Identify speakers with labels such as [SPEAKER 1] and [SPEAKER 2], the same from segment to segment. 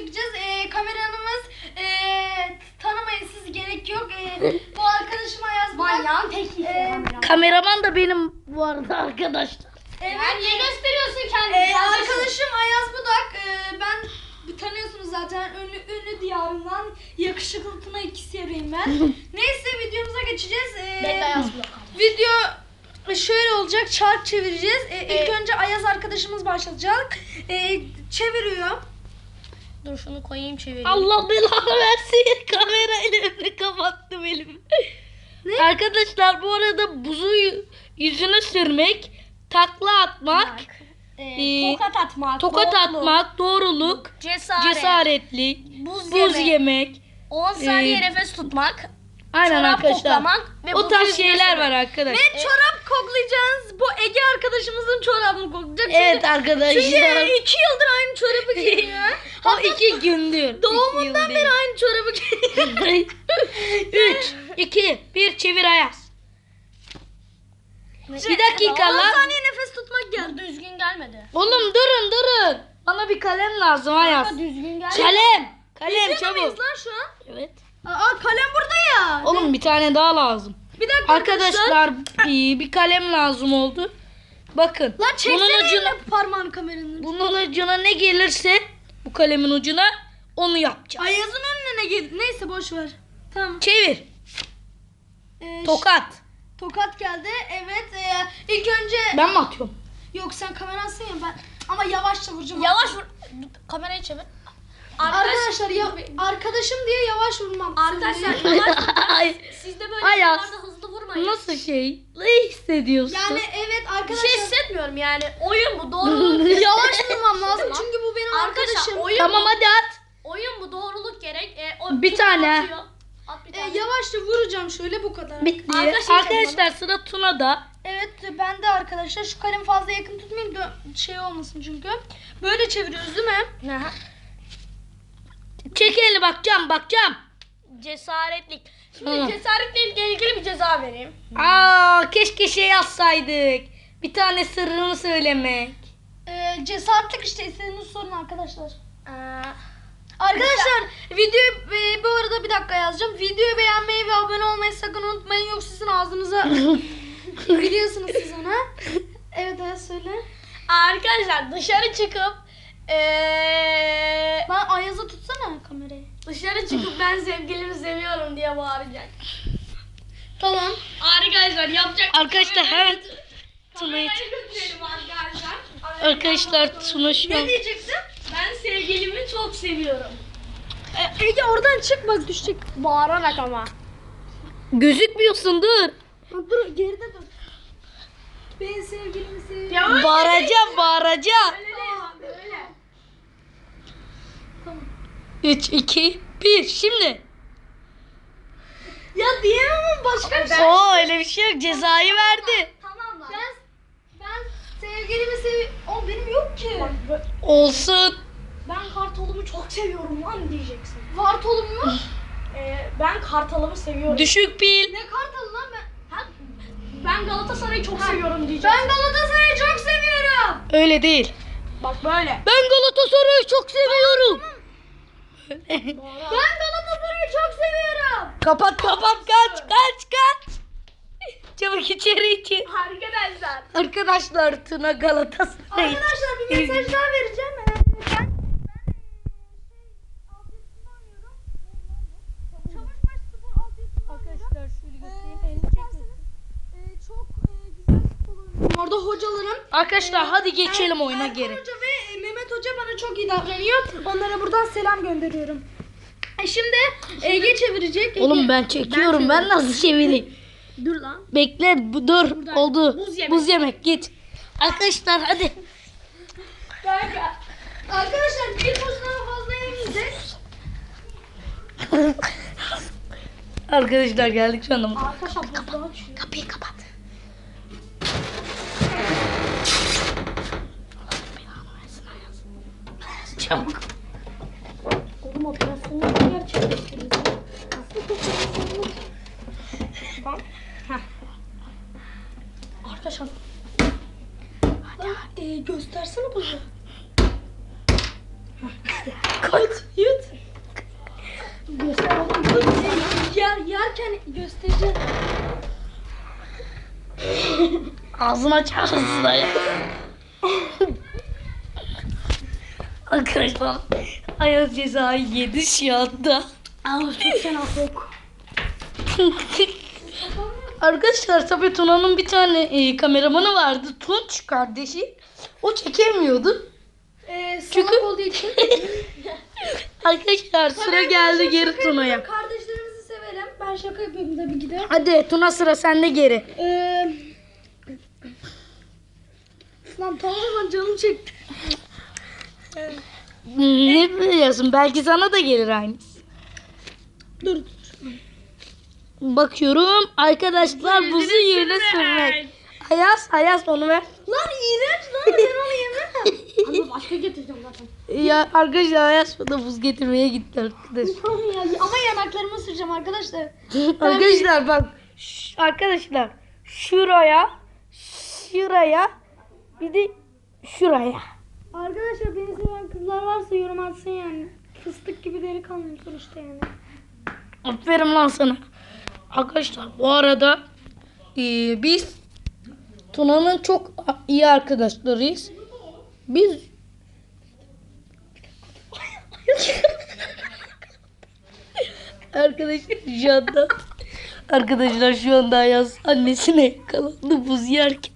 [SPEAKER 1] çekeceğiz. Kameramız tanımayın, siz gerek yok. Bu arkadaşım Ayaz
[SPEAKER 2] Manyağın teki.
[SPEAKER 3] Kameraman da benim bu arada arkadaşlar.
[SPEAKER 1] Evet.
[SPEAKER 2] Niye gösteriyorsun kendini?
[SPEAKER 1] Arkadaşım Ayaz Budak. Ben tanıyorsunuz zaten, ünlü diyarından yakışıklı Tuna ikisiyim ben. Neyse, videomuza geçeceğiz.
[SPEAKER 2] Ben de Ayaz Budak.
[SPEAKER 1] Video şöyle olacak, çark çevireceğiz. İlk önce Ayaz arkadaşımız başlayacak. Çeviriyor.
[SPEAKER 2] Dur şunu koyayım çevireyim.
[SPEAKER 3] Allah belanı versin. Kamerayla önünü kapattım elimi. Arkadaşlar bu arada buzu yüzüne sürmek, takla atmak,
[SPEAKER 2] Tokat atmak.
[SPEAKER 3] tokat
[SPEAKER 2] doğruluk,
[SPEAKER 3] atmak, doğruluk,
[SPEAKER 2] Cesaretli.
[SPEAKER 3] buz
[SPEAKER 2] yemek.
[SPEAKER 3] yemek.
[SPEAKER 2] 10 saniye nefes tutmak.
[SPEAKER 3] Aynen
[SPEAKER 2] Çorap
[SPEAKER 3] arkadaşlar.
[SPEAKER 2] koklamak ve
[SPEAKER 3] O
[SPEAKER 2] buzu
[SPEAKER 3] tarz
[SPEAKER 2] yüzüne
[SPEAKER 3] şeyler
[SPEAKER 2] sürmek.
[SPEAKER 3] var arkadaşlar.
[SPEAKER 1] Ve çorap koklayacağız. Bu Ege arkadaşımızın çorabını koklayacak.
[SPEAKER 3] Evet arkadaşlar.
[SPEAKER 1] Çünkü 2 yıldır aynı çorabı giyiyor.
[SPEAKER 3] O 2 gündür.
[SPEAKER 1] Doğumundan beri aynı çorabı giyiyor.
[SPEAKER 3] 3, 2, 1 çevir Ayaz. Bir dakika
[SPEAKER 1] 10
[SPEAKER 3] lan.
[SPEAKER 1] saniye nefes tutmak geldi.
[SPEAKER 2] Bu düzgün gelmedi.
[SPEAKER 3] Oğlum durun. Bana bir kalem lazım Ayaz.
[SPEAKER 2] Düzgün gelmedi.
[SPEAKER 3] Kalem
[SPEAKER 1] Çabuk.
[SPEAKER 3] çabuk.
[SPEAKER 1] Lan şu an.
[SPEAKER 3] Evet.
[SPEAKER 1] Aa, kalem burada ya.
[SPEAKER 3] Oğlum bir tane daha lazım.
[SPEAKER 1] Bir dakika
[SPEAKER 3] Arkadaşlar bir kalem lazım oldu. Bakın.
[SPEAKER 1] Lan çeksene
[SPEAKER 3] bunun ucuna,
[SPEAKER 1] eline parmağını kameranın.
[SPEAKER 3] bunun ucuna ne gelirse bu kalemin ucuna onu yapacağım.
[SPEAKER 1] Ayaz'ın önüne ne geldi? Neyse, boş ver. Tamam.
[SPEAKER 3] Çevir.
[SPEAKER 1] Ee,
[SPEAKER 3] Tokat.
[SPEAKER 1] Tokat geldi. Evet. İlk önce
[SPEAKER 3] Ben mi atıyorum?
[SPEAKER 1] yok, sen kamerasın ya, ben ama yavaşça vuracağım.
[SPEAKER 2] Yavaş vur. Kamerayı çevir.
[SPEAKER 1] Arkadaşlar arkadaşım diye yavaş vurmam.
[SPEAKER 2] Arkadaşlar
[SPEAKER 1] Siz de-
[SPEAKER 2] yavaş.
[SPEAKER 3] Ay,
[SPEAKER 2] Siz de böyle
[SPEAKER 3] Ayaz.
[SPEAKER 2] videolarda hızlı vurmayın.
[SPEAKER 3] nasıl şey? Ne hissediyorsun?
[SPEAKER 1] yani evet
[SPEAKER 2] Bir
[SPEAKER 1] arkadaşlar.
[SPEAKER 2] şey hissetmiyorum yani. Oyun bu, doğruluk.
[SPEAKER 1] Yavaş vurmam lazım
[SPEAKER 2] Tamam.
[SPEAKER 1] çünkü bu benim
[SPEAKER 2] Arkadaşlar
[SPEAKER 1] arkadaşım.
[SPEAKER 2] oyun
[SPEAKER 3] Tamam
[SPEAKER 2] bu.
[SPEAKER 3] hadi at.
[SPEAKER 2] Oyun bu, doğruluk gerek.
[SPEAKER 3] Bir tane.
[SPEAKER 2] Atıyor. At bir tane.
[SPEAKER 1] Yavaşça vuracağım şöyle, bu kadar.
[SPEAKER 3] Bitti.
[SPEAKER 2] Arkadaşlar-
[SPEAKER 3] Arkadaşlar sıra Tuna'da.
[SPEAKER 1] Evet, ben de arkadaşlar şu kalemi fazla yakın tutmayayım da şey olmasın çünkü. Böyle çeviriyoruz değil mi?
[SPEAKER 2] Aha.
[SPEAKER 3] Çek elini bakacağım.
[SPEAKER 2] Cesaretlik. Şimdi
[SPEAKER 3] Tamam.
[SPEAKER 2] cesaretle ilgili bir ceza vereyim.
[SPEAKER 3] Keşke şey yazsaydık. Bir tane sırrını söylemek.
[SPEAKER 1] Cesaretlik işte, istediğiniz sorun arkadaşlar.
[SPEAKER 2] Ee,
[SPEAKER 1] Arkadaşlar videoyu bu arada bir dakika yazacağım. Videoyu beğenmeyi ve abone olmayı sakın unutmayın, yoksa sizin ağzınıza biliyorsunuz siz ona. Evet söyle.
[SPEAKER 2] Arkadaşlar dışarı çıkıp
[SPEAKER 1] Lan Ayaz'a tutsana kamerayı.
[SPEAKER 2] dışarı çıkıp ben sevgilimi seviyorum diye bağıracak.
[SPEAKER 1] Tamam.
[SPEAKER 2] Arkadaşlar yapacak.
[SPEAKER 3] Arkadaşlar hemen Tuna'yı
[SPEAKER 2] Kamerayı götürelim arkadaşlar.
[SPEAKER 3] Arkadaşlar Tuna şu an.
[SPEAKER 1] Ne diyeceksin?
[SPEAKER 2] Ben sevgilimi çok seviyorum.
[SPEAKER 1] Ege oradan çık, bak düşecek.
[SPEAKER 2] Bağırarak ama.
[SPEAKER 3] Gözükmüyorsun dur.
[SPEAKER 1] Dur, geride dur. Ben sevgilimi seviyorum.
[SPEAKER 3] Bağıracağım.
[SPEAKER 2] Öyle.
[SPEAKER 3] 3, 2, 1 şimdi.
[SPEAKER 1] Ya diyemem başka bir şey.
[SPEAKER 3] Öyle bir şey yok. Cezayı verdi.
[SPEAKER 2] Tamam lan.
[SPEAKER 1] Ben sevgilimi seviyorum. O benim yok ki.
[SPEAKER 3] Olsun.
[SPEAKER 2] Ben kartalımı çok seviyorum lan diyeceksin.
[SPEAKER 1] Vartolum mu?
[SPEAKER 2] Ben kartalımı seviyorum.
[SPEAKER 3] Düşük pil.
[SPEAKER 1] Ne kartalı lan ben?
[SPEAKER 2] Ben Galatasaray'ı çok seviyorum diyeceksin.
[SPEAKER 1] Ben Galatasaray'ı çok seviyorum.
[SPEAKER 3] Öyle değil.
[SPEAKER 2] Bak böyle.
[SPEAKER 3] Ben Galatasaray'ı çok seviyorum.
[SPEAKER 1] Ben Galatasaray'ı çok seviyorum.
[SPEAKER 3] Kapat kaç. Çabuk içeri.
[SPEAKER 2] Arkadaşlar.
[SPEAKER 3] Arkadaşlar Tuna Galatasaray.
[SPEAKER 1] Arkadaşlar bir mesaj daha vereceğim. Ben Çavuşbaşı Spor Altyazı'nda
[SPEAKER 3] Arkadaşlar şöyle göstereyim. Elini
[SPEAKER 1] çok güzel futbol oynuyorum. Orada hocalarım
[SPEAKER 3] Arkadaşlar hadi geçelim oyuna
[SPEAKER 1] Erkan
[SPEAKER 3] geri.
[SPEAKER 1] Hoca ve Mehmet Hoca bana çok iyi davranıyor. Onlara buradan selam gönderiyorum. Şimdi Ege çevirecek.
[SPEAKER 3] Oğlum ben çekiyorum. Ben nasıl çevireyim?
[SPEAKER 1] Dur lan.
[SPEAKER 3] Bekle dur. Oldu.
[SPEAKER 2] Buz yemek.
[SPEAKER 3] Buz yemek git. Arkadaşlar hadi.
[SPEAKER 1] Kanka. Arkadaşlar bir buzdan fazla yemeyeceğiz.
[SPEAKER 3] Arkadaşlar geldik şu anda.
[SPEAKER 1] Arkadaşlar buzdağı açıyor.
[SPEAKER 3] Kapıyı kapat. Çabuk.
[SPEAKER 2] Oğlum operasyonu nasıl gerçekleştiririz? Tamam. Arkadaşlar.
[SPEAKER 1] Göstersene buzu. Yut. Göster oğlum. Yerken göstereceğim.
[SPEAKER 3] Ağzını açarsın ya. Arkadaşlar Ayaz cezayı yedi şu anda.
[SPEAKER 1] Çok fena kok.
[SPEAKER 3] Arkadaşlar tabii Tuna'nın bir tane kameramanı vardı. Tunç kardeşi. O çekemiyordu.
[SPEAKER 1] Çünkü olduğu için.
[SPEAKER 3] Arkadaşlar sıra geldi geri Tuna'ya.
[SPEAKER 1] Kardeşlerimizi severim. Ben şaka yapıyorum tabii ki de.
[SPEAKER 3] Hadi Tuna sıra sende geri.
[SPEAKER 1] Lan tamamen canım çekti.
[SPEAKER 3] Ne biliyorsun? Belki sana da gelir aynısı.
[SPEAKER 1] Dur.
[SPEAKER 3] Bakıyorum arkadaşlar buzu yerine sürmek. Ayaz onu ver.
[SPEAKER 1] Lan iğrenç lan, ben onu yemem. Ama başka getireceğim zaten.
[SPEAKER 3] Ya arkadaşlar Ayaz da buz getirmeye gitti arkadaş.
[SPEAKER 1] Ama yanaklarımı süreceğim arkadaşlar.
[SPEAKER 3] Arkadaşlar bak arkadaşlar şuraya bir de şuraya.
[SPEAKER 1] Arkadaşlar beni seven kızlar varsa yorum atsın yani. Fıstık gibi delikanlıyım sonuçta yani.
[SPEAKER 3] Aferin lan sana. Arkadaşlar bu arada biz Tuna'nın çok iyi arkadaşlarıyız. Biz Arkadaşlar şu anda Ayaz annesine yakalandı buz yerken.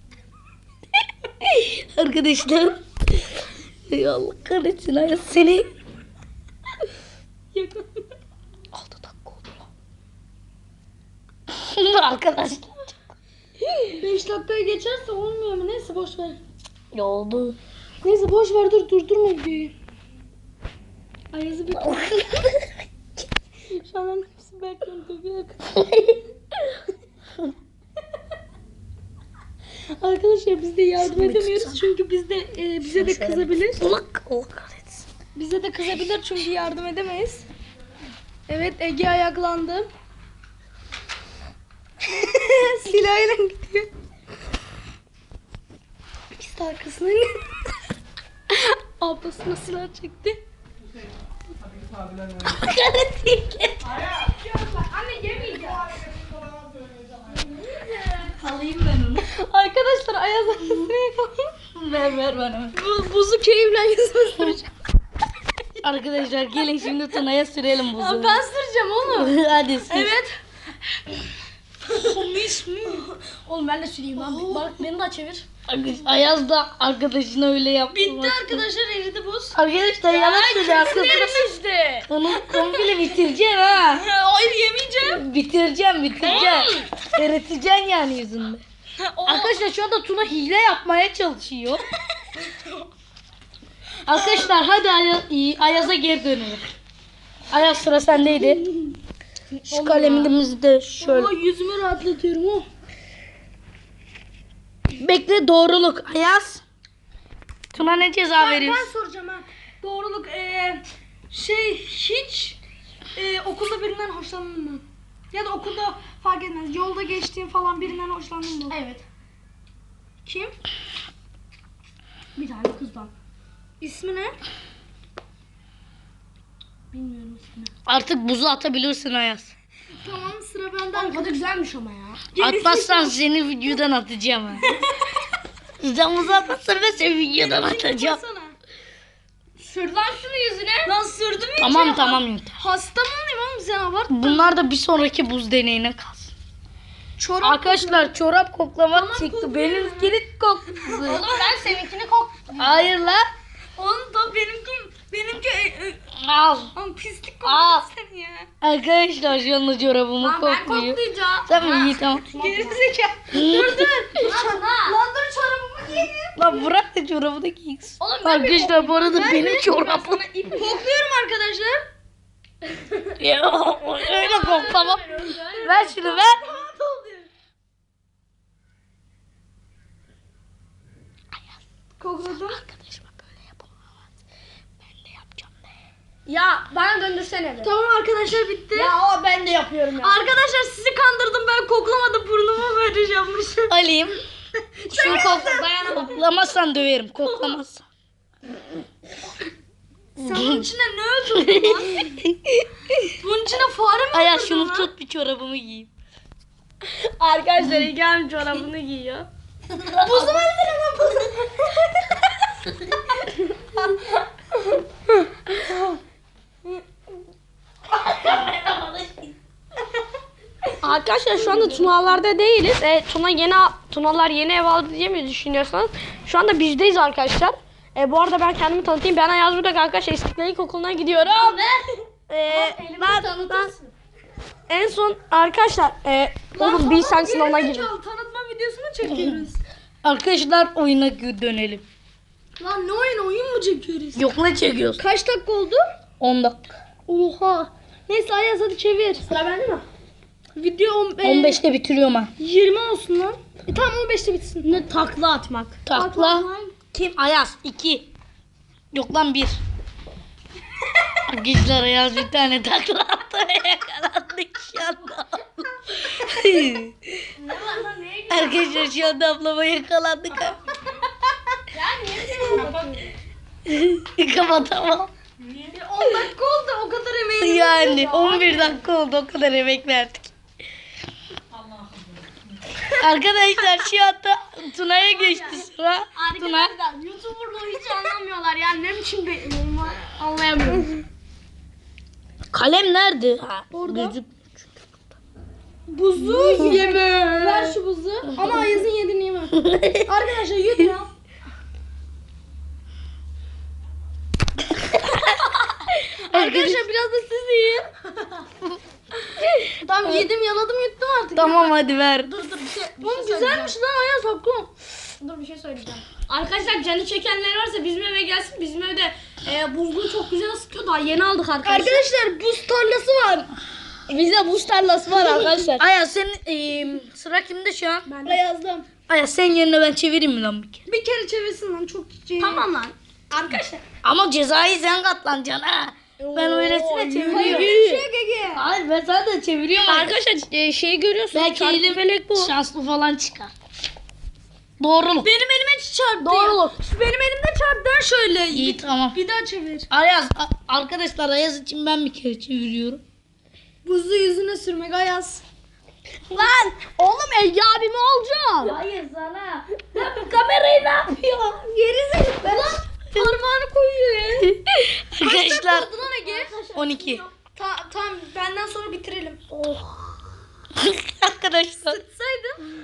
[SPEAKER 3] Arkadaşlar ey Allah kahretsin Ayaz seni. 6 dakika oldu lan. Arkadaşlar
[SPEAKER 1] 5 dakikaya geçerse olmuyor mu? Neyse boş ver.
[SPEAKER 3] ne oldu?
[SPEAKER 1] Neyse boş ver, durdurma videoyu. Ayaz'ı bir şu an hepsi bekliyorum tabii. Arkadaşlar biz de yardım edemiyoruz çünkü bize de kızabilir.
[SPEAKER 3] Allah kahretsin.
[SPEAKER 1] Bize de kızabilir çünkü yardım edemeyiz. Evet, Ege ayaklandı. Silahıyla gidiyor. Biz de arkasına ablasına silah çekti. Anne yemeyeceğim.
[SPEAKER 3] Alayım ben onu.
[SPEAKER 1] Arkadaşlar Ayaz annesine yakaladım.
[SPEAKER 3] Ver bana.
[SPEAKER 1] Buzu keyifle yüzüme süreceğim.
[SPEAKER 3] Arkadaşlar gelin şimdi Tuna'ya sürelim buzu.
[SPEAKER 1] Ben süreceğim oğlum.
[SPEAKER 3] Hadi sür.
[SPEAKER 1] Evet. Oğlum ben de süreyim abi. Bak beni de çevir.
[SPEAKER 3] Ayaz da arkadaşına öyle yaptı.
[SPEAKER 1] Bitti arkadaşlar, eridi buz.
[SPEAKER 3] Arkadaşlar yalan söylüyor arkadaşlar.
[SPEAKER 1] işte.
[SPEAKER 3] Onu komple bitireceğim ha.
[SPEAKER 1] Hayır yemeyeceğim.
[SPEAKER 3] Bitireceğim. Eriteceksin yani yüzünde. Arkadaşlar şu anda Tuna hile yapmaya çalışıyor. Arkadaşlar hadi Ayaz'a geri dönelim. Ayaz sıra sendeydi. Şu kalemimizi de şöyle.
[SPEAKER 1] Yüzümü rahatlatıyorum o.
[SPEAKER 3] Bekle doğruluk. Ayaz. Tuna ne ceza
[SPEAKER 1] Ben
[SPEAKER 3] veriyorsun?
[SPEAKER 1] soracağım ha. Doğruluk hiç okulda birinden hoşlandın mı? Ya da okulda fark etmez. Yolda geçtiğin falan birinden hoşlandın mı? Evet. Kim? Bir tane kızdan. İsmi ne? Bilmiyorum ismini.
[SPEAKER 3] Artık buzu atabilirsin Ayaz.
[SPEAKER 1] Tamam, sıra benden. Tadı güzelmiş ama ya.
[SPEAKER 3] Atmazsan seni videodan atacağım ha. Sen buzu atmazsan ben seni videodan atacağım.
[SPEAKER 1] Sür lan şunu yüzüne. Lan sürdüm ya.
[SPEAKER 3] Tamam yeter.
[SPEAKER 1] Hasta mı olayım oğlum, sen abart.
[SPEAKER 3] Bunlar da bir sonraki buz deneyine kalsın.
[SPEAKER 1] Çorap.
[SPEAKER 3] Arkadaşlar çorap koklamak çıktı.
[SPEAKER 1] kokluyor.
[SPEAKER 3] Benimkini koktu.
[SPEAKER 1] Oğlum ben seninkini kok.
[SPEAKER 3] Hayır lan.
[SPEAKER 1] Oğlum da benimki
[SPEAKER 3] Al.
[SPEAKER 1] Oğlum pislik
[SPEAKER 3] Aa.
[SPEAKER 1] koktu sen ya.
[SPEAKER 3] Arkadaşlar şu anda çorabımı
[SPEAKER 1] Lan ben
[SPEAKER 3] kokluyor.
[SPEAKER 1] koklayacağım.
[SPEAKER 3] Tamam iyi tamam.
[SPEAKER 1] Gerizekalı. dur. Lan dur, çorabımı giyeyim.
[SPEAKER 3] Lan bırak da çorabı da giysin.
[SPEAKER 1] Oğlum ben bir
[SPEAKER 3] Arkadaşlar bu arada benim çorabım.
[SPEAKER 1] Kokluyorum arkadaşlar.
[SPEAKER 3] Ya, öyle koklamam. Ver şunu ver.
[SPEAKER 1] Kokladım.
[SPEAKER 3] Arkadaşıma böyle yapamaz. Ben de yapacağım be.
[SPEAKER 2] Ya bana döndürsene be.
[SPEAKER 1] Tamam arkadaşlar, bitti.
[SPEAKER 2] Ya o ben de yapıyorum ya.
[SPEAKER 1] Arkadaşlar sizi kandırdım, ben koklamadım, burnuma böyle yapmışım.
[SPEAKER 3] Alayım.
[SPEAKER 2] Şunu kokla, dayanamam.
[SPEAKER 3] Koklamazsan döverim. Koklamazsan.
[SPEAKER 1] Sen bunun içinde ne atıldı lan. Bunun içine fare mi
[SPEAKER 3] Ayaz
[SPEAKER 1] atıldı
[SPEAKER 3] şunu
[SPEAKER 1] lan?
[SPEAKER 3] tut bir çorabımı giyeyim.
[SPEAKER 2] Arkadaşlar İlkem çorabını giyiyor.
[SPEAKER 1] Buzu versene lan buzu.
[SPEAKER 2] Arkadaşlar şu anda Tunalar'da değiliz. Tunalar yeni ev aldı diye mi düşünüyorsanız şu anda bizdeyiz arkadaşlar. Bu arada ben kendimi tanıtayım. Ben Ayaz Budak arkadaşlar İstiklal İlkokulu'na gidiyorum. Ben en son arkadaşlar oğlum bir sen sınavına girin.
[SPEAKER 1] Tanıtma videosunu çekiyoruz.
[SPEAKER 3] Arkadaşlar oyuna dönelim.
[SPEAKER 1] Lan ne oyun mu çekiyoruz?
[SPEAKER 3] Yok ne çekiyoruz?
[SPEAKER 1] Kaç dakika oldu?
[SPEAKER 3] 10 dakika.
[SPEAKER 1] Oha. Neyse Ayaz hadi çevir.
[SPEAKER 2] Sıra bende mi?
[SPEAKER 1] Video
[SPEAKER 3] 15'te bitiriyorum ha.
[SPEAKER 1] 20 olsun lan. Tamam 15'te bitsin.
[SPEAKER 2] Ne takla atmak.
[SPEAKER 3] Takla. Kim? Ayaz 2. Yok lan 1. Arkadaşlar Ayaz bir tane takla attı. Yakalandık şu anda.
[SPEAKER 2] Ne var lan neye
[SPEAKER 3] Arkadaşlar şu anda ablama yakalandık.
[SPEAKER 2] Ya niye
[SPEAKER 3] Kapatamam.
[SPEAKER 1] 10 dakika oldu o kadar emeğini.
[SPEAKER 3] Yani 11 dakika oldu, o kadar emek verdik. Arkadaşlar şu anda Tuna'ya geçti sıra. Tuna.
[SPEAKER 2] Arkadaşlar YouTuber'lığı hiç anlamıyorlar yani ne biçim bir anlayamıyorum.
[SPEAKER 3] Kalem nerede?
[SPEAKER 1] Orada.
[SPEAKER 3] Gözük.
[SPEAKER 1] Buzu yeme. Ver şu buzu. Ama Ayaz'ın yediğini yeme. Arkadaşlar yut ya. Arkadaşlar biraz da siz yiyin. Tamam yedim yaladım yuttum artık.
[SPEAKER 3] Tamam hadi ver.
[SPEAKER 2] Dur bir şey
[SPEAKER 1] Oğlum güzelmiş lan Ayaz hakkım.
[SPEAKER 2] Dur bir şey söyleyeceğim. Arkadaşlar canı çekenler varsa bizim eve gelsin. Bizim evde buzluğu çok güzel ısıtıyor. Daha yeni aldık arkadaşlar.
[SPEAKER 1] Arkadaşlar buz tarlası var.
[SPEAKER 2] Bizde buz tarlası var arkadaşlar.
[SPEAKER 3] Ayaz senin sıra kimde şu an?
[SPEAKER 1] Ben yazdım.
[SPEAKER 3] Ayaz senin yerine ben çevireyim mi lan bir kere?
[SPEAKER 1] Bir kere çevirsin lan çok
[SPEAKER 2] Tamam lan. Arkadaşlar.
[SPEAKER 3] Ama cezayı sen katlanacaksın ha. Ben öylesine çeviriyorum.
[SPEAKER 1] Gege.
[SPEAKER 3] Hayır ben zaten çeviriyorum.
[SPEAKER 2] Arkadaşlar şeyi görüyorsunuz.
[SPEAKER 3] Belki
[SPEAKER 2] Çarpı
[SPEAKER 3] elim
[SPEAKER 2] felek bu.
[SPEAKER 3] şanslı falan çıkar. Doğruluk.
[SPEAKER 1] Benim elime çarptı.
[SPEAKER 2] Doğruluk.
[SPEAKER 1] Benim elimde çarptı. Dön şöyle.
[SPEAKER 3] İyi tamam.
[SPEAKER 1] Bir daha çevir.
[SPEAKER 3] Ayaz arkadaşlar Ayaz için ben bir kere çeviriyorum.
[SPEAKER 1] Buzu yüzüne sürmek Ayaz.
[SPEAKER 2] Lan oğlum Ege abimi olacağım.
[SPEAKER 3] Hayır sana. Kamerayı ne yapıyor?
[SPEAKER 1] Geri zekalı. Lan parmağını koyuyor ya.
[SPEAKER 3] Arkadaşlar
[SPEAKER 1] Oldu lan Ege.
[SPEAKER 3] 12.
[SPEAKER 1] Tamam benden sonra bitirelim.
[SPEAKER 3] Arkadaşlar
[SPEAKER 1] Saydım.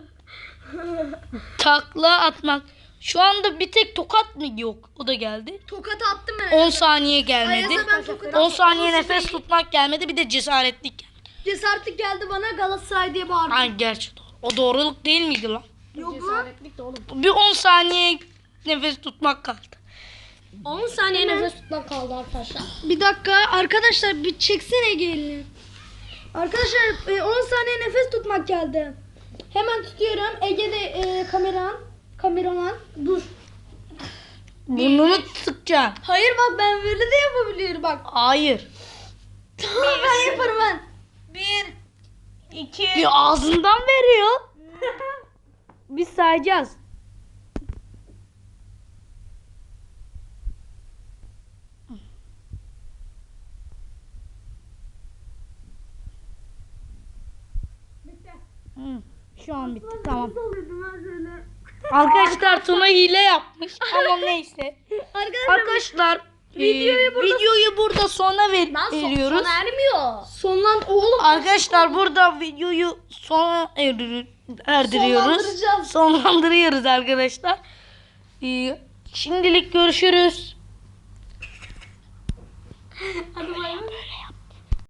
[SPEAKER 3] takla atmak. Şu anda bir tek tokat mı yok? O da geldi.
[SPEAKER 1] Tokat attım ben.
[SPEAKER 3] 10 saniye gelmedi.
[SPEAKER 1] Ayaz'a ben tokat
[SPEAKER 3] 10 saniye
[SPEAKER 1] attım.
[SPEAKER 3] nefes tutmak gelmedi. Bir de cesaretlik geldi.
[SPEAKER 1] Cesaretlik geldi bana Galatasaray diye bağırdı.
[SPEAKER 3] Ay gerçi doğru. O doğruluk değil miydi lan?
[SPEAKER 1] Yok lan.
[SPEAKER 3] Bir 10 saniye nefes tutmak kaldı.
[SPEAKER 2] 10 saniye nefes tutmak kaldı arkadaşlar.
[SPEAKER 1] Bir dakika arkadaşlar bir çeksene Ege elini. Arkadaşlar 10 saniye nefes tutmak geldi. Hemen tutuyorum. Ege de kameraman. Dur.
[SPEAKER 3] Burnunu sıkacaksın.
[SPEAKER 1] Hayır bak ben böyle de yapabiliyorum bak.
[SPEAKER 3] Hayır.
[SPEAKER 1] Tamam ben yaparım ben.
[SPEAKER 2] 2
[SPEAKER 3] Bir ağzından veriyor. Biz sayacağız. Şu an bitti tamam. Arkadaşlar Tuna hile yapmış ama neyse. Arkadaşlar videoyu burada sona veriyoruz.
[SPEAKER 2] Sona ermiyor.
[SPEAKER 1] Sonlan oğlum.
[SPEAKER 3] Arkadaşlar burada videoyu sona erdiriyoruz. Sonlandırıyoruz arkadaşlar. Şimdilik görüşürüz.
[SPEAKER 2] Hadi bay bay.